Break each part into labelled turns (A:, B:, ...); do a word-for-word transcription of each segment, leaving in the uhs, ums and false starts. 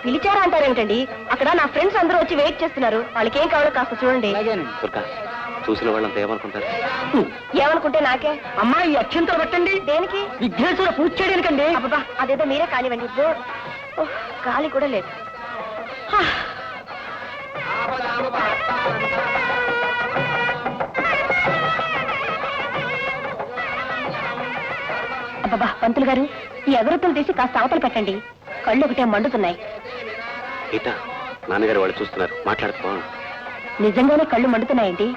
A: పిలిచారా అంటారేంటండి? అక్కడ నా ఫ్రెండ్స్ అందరూ వచ్చి వెయిట్ చేస్తున్నారు. వాళ్ళకి ఏం కావాలో కాస్త చూడండి.
B: చూసిన వాళ్ళంతా ఏమనుకుంటారు?
A: ఏమనుకుంటే నాకే.
C: అమ్మా ఈ అత్యంతలు పెట్టండి.
A: దేనికి?
C: విఘ్నేశ్వర పూజ చేయడానికండి.
A: అబ్బా అదేదో మీరే కానివ్వండి. గాలి కూడా లేదు. అబ్బా పంతులు గారు, ఈ అగరత్తులు తీసి కాస్త అవతలు పెట్టండి. కళ్ళు ఒకటే మండుతున్నాయి.
B: నాన్నగారు వాళ్ళు చూస్తున్నారు, మాట్లాడుకో.
A: నిజంగానే కళ్ళు మండుతున్నాయండి.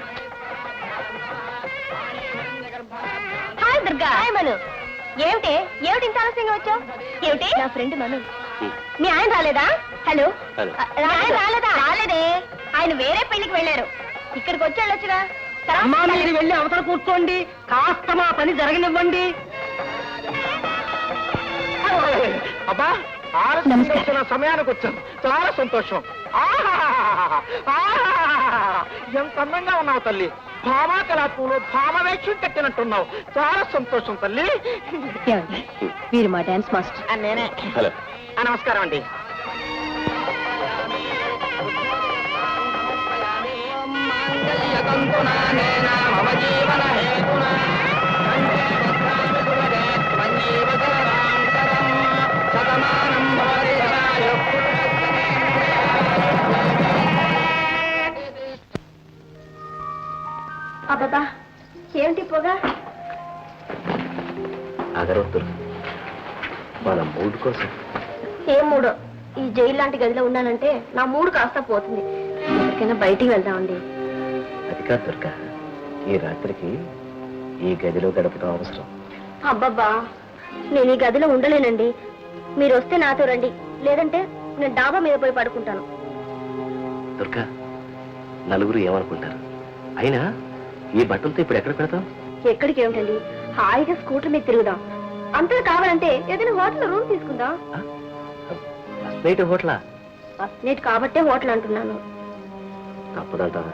A: హాయ్ దుర్గా. హాయ్ మను. ఏమిటి ఏమిటి ఇంత ఆలస్యంగా వచ్చావు? ఏమిటి? నా ఫ్రెండ్ మను. మీ ఆయన రాలేదా? హలో, ఆయన రాలేదా? రాలేదే, ఆయన వేరే పెళ్లికి వెళ్ళారు. ఇక్కడికి వచ్చి వెళ్ళొచ్చుగా.
C: అమ్మా మీరు వెళ్ళి అవతల కూర్చోండి, కాస్త మా పని జరగనివ్వండి. అబ్బా ఆలస్యం సమయానికి వచ్చాను, చాలా సంతోషం. ఎంత అందంగా ఉన్నావు తల్లి. భామా కళాపూలు భామ వేక్షం కట్టినట్టున్నావు. చాలా సంతోషం తల్లి.
A: వీరు మా డాన్స్ మాస్టర్.
C: నేనే.
B: హలో,
C: నమస్కారం అండి.
A: అబ్బా ఏమిటి పొగ?
B: అగరొద్దు, మన మూడు కోసం.
A: ఏ మూడో? ఈ జైలు లాంటి గదిలో ఉన్నానంటే నా మూడు కాస్త పోతుంది. ఎక్కడికైనా బయటికి వెళ్దామండి.
B: అది కాదు దుర్గా, ఈ రాత్రికి ఈ గదిలో గడపడం అవసరం.
A: అబ్బబ్బా, నేను ఈ గదిలో ఉండలేనండి. మీరు వస్తే నాతో రండి, లేదంటే నేను డాబా మీద పోయి పడుకుంటాను.
B: దుర్గా, నలుగురు ఏమనుకుంటారు? అయినా ఈ బట్టలతో ఇప్పుడు ఎక్కడ పెడతాం?
A: ఎక్కడికి ఏమిటండి, హాయిగా స్కూటర్ మీద తిరుగుదాం. అంతా కావాలంటే ఏదైనా హోటల్ రూమ్ తీసుకుందాం.
B: నైట్ హోటలా?
A: ఫస్ట్ నైట్ కాబట్టే హోటల్ అంటున్నాను.
B: తప్పదంటావా?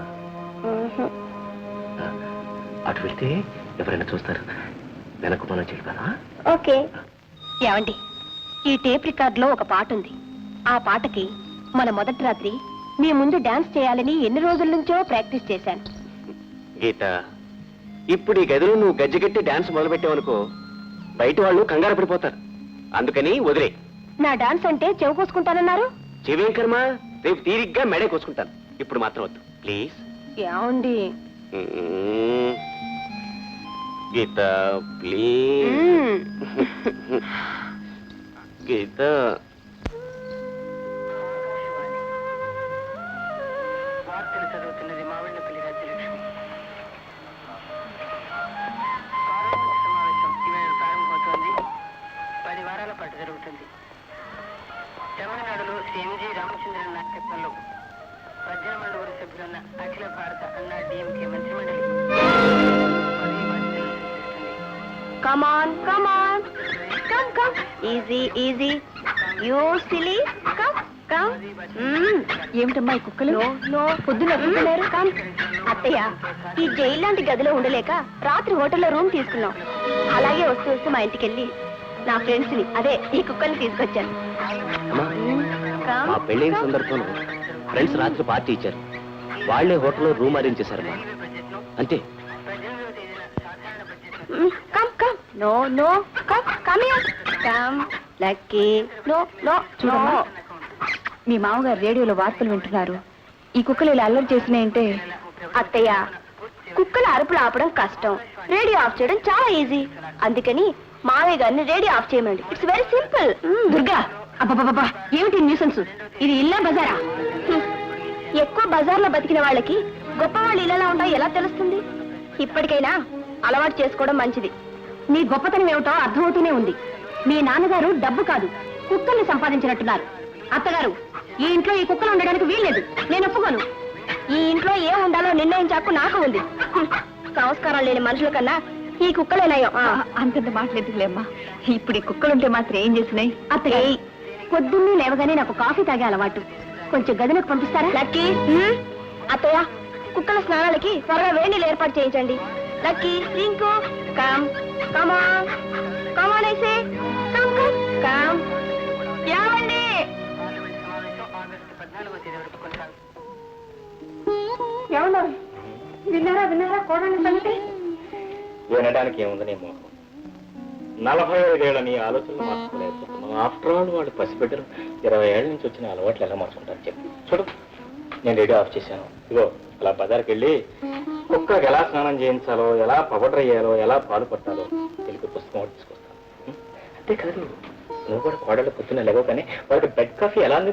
B: అటు వెళ్తే ఎవరైనా చూస్తారు, వెనక్కు మనం చెల్లిపోదా?
A: ఓకే. ఏమండి, ఈ టేప్ రికార్డ్ లో ఒక పాట ఉంది. ఆ పాటకి మన మొదటి రాత్రి మీ ముందు డాన్స్ చేయాలని ఎన్ని రోజుల నుంచో ప్రాక్టీస్ చేశాను.
B: గీత, ఇప్పుడు ఈ గదిలో నువ్వు గజ్జగట్టి డాన్స్ మొదలుపెట్టావనుకో, బయట వాళ్ళు కంగారు పడిపోతారు. అందుకని వదిలే.
A: నా డాన్స్ అంటే చెవు కోసుకుంటానన్నారు.
B: చెవేం కర్మ, రేపు తీరిగ్గా మెడే కోసుకుంటాను. ఇప్పుడు మాత్రం వద్దు ప్లీజ్.
A: ఏమండి?
B: గీత ప్లీజ్. గీత,
C: చదువుతున్నది మావిళ్ళపల్లి రాజ్యలక్ష్మి. ప్రారంభమవుతోంది. పది వారాల పాటు జరుగుతుంది. తమిళనాడులో శ్రీ ఎంజి రామచంద్రన్ నాయకత్వంలో పద్దెనిమిది మండుగురు సభ్యులున్న అఖిల భారత అన్నా డిఎంకే మంత్రిమండలి
A: Come on, come on. Come, come. Easy, easy. You silly. Come, come. ఏమిటమ్మా ఈ కుక్కలు? నో నో, పొద్దున కుక్కలేరు. కమ్. అత్తయ్య, ఈ జైలు లాంటి గదిలో ఉండలేక రాత్రి హోటల్లో రూమ్ తీసుకున్నాం. అలాగే వస్తూ వస్తూ మా ఇంటికి వెళ్ళి నా ఫ్రెండ్స్ ని, అదే ఈ కుక్కల్ని తీసుకొచ్చాను.
B: మా పెళ్ళైన సందర్భంలో ఫ్రెండ్స్ రాత్రి పార్టీ ఇచ్చారు. వాళ్లే హోటల్లో రూమ్ అరేంజ్ చేశారమ్మా. అంతే.
A: Come come. No no, come come here. Come Lucky. No no. చూడమ్మా, మీ మామగారు రేడియోలో వార్తలు వింటున్నారు. ఈ కుక్కలు ఇలా అల్లరి చేసినాయంటే. అత్తయ్య, కుక్కల అరుపులు ఆపడం కష్టం, రేడియో ఆఫ్ చేయడం చాలా ఈజీ. అందుకని మావయ్య గారిని రేడియో ఆఫ్ చేయమండి. It's very simple. దుర్గా, అబ్బబ్బబ్బా, ఏమిటి న్యూసెన్స్? ఇది ఇల్లా బజారా? ఎక్కువ బజార్లో బతికిన వాళ్ళకి గొప్ప వాళ్ళు ఇళ్ళలా ఉంటాయో ఎలా తెలుస్తుంది? ఇప్పటికైనా అలవాటు చేసుకోవడం మంచిది. నీ గొప్పతనం ఏమిటో అర్థమవుతూనే ఉంది. మీ నాన్నగారు డబ్బు కాదు, కుక్కల్ని సంపాదించినట్టున్నారు. అత్తగారు, ఈ ఇంట్లో ఈ కుక్కలు ఉండడానికి వీల్లేదు. నేను ఒప్పుకోను. ఈ ఇంట్లో ఏం ఉండాలో నిర్ణయించాకు నాకు ఉంది. సంస్కారం లేని మనుషుల కన్నా ఈ కుక్కలేనాయో. అంతంత మాట్లాడుతులేమ్మా. ఇప్పుడు ఈ కుక్కలుంటే మాత్రం ఏం చేసినాయి? అత్తయ్య, పొద్దున్నే లేవగానే నాకు కాఫీ తాగే అలవాటు. కొంచెం గదిలోకి పంపిస్తారా? లక్కీ. అత్తయ్య, కుక్కల స్నానాలకి త్వరగా వేణీలు ఏర్పాటు చేయించండి. Lucky, Rinku, come come on come on ఐసే కమ్ కమ్ కమ్. ఏమండి? విన్నారా విన్నారా కోడని సంగతి?
D: వినడానికి ఏముంది నీ మోహం? నలభై ఐదేళ్ల నీ ఆలోచనలు మార్చుకోలేకపోతున్నాం. ఆఫ్టర్ ఆల్ వాళ్ళు పసిబిడ్డలు ఇరవై ఏళ్ళ నుంచి వచ్చిన అలవాట్లు ఎలా మార్చుకుంటారు చెప్పి చూడు. నేను రేడియో ఆఫ్ చేశాను. ఇగో అలా బజార్కి వెళ్ళి కుక్కకి ఎలా స్నానం చేయించాలో, ఎలా పౌడర్ అయ్యాలో, ఎలా పాలు పట్టాలో తెలిపి పుస్తకం ఒకటి తీసుకొస్తాను. అంతేకాదు, నువ్వు కూడా కోడలు పొద్దున్న లేవో కానీ వాళ్ళకి బెడ్ కాఫీ ఎలా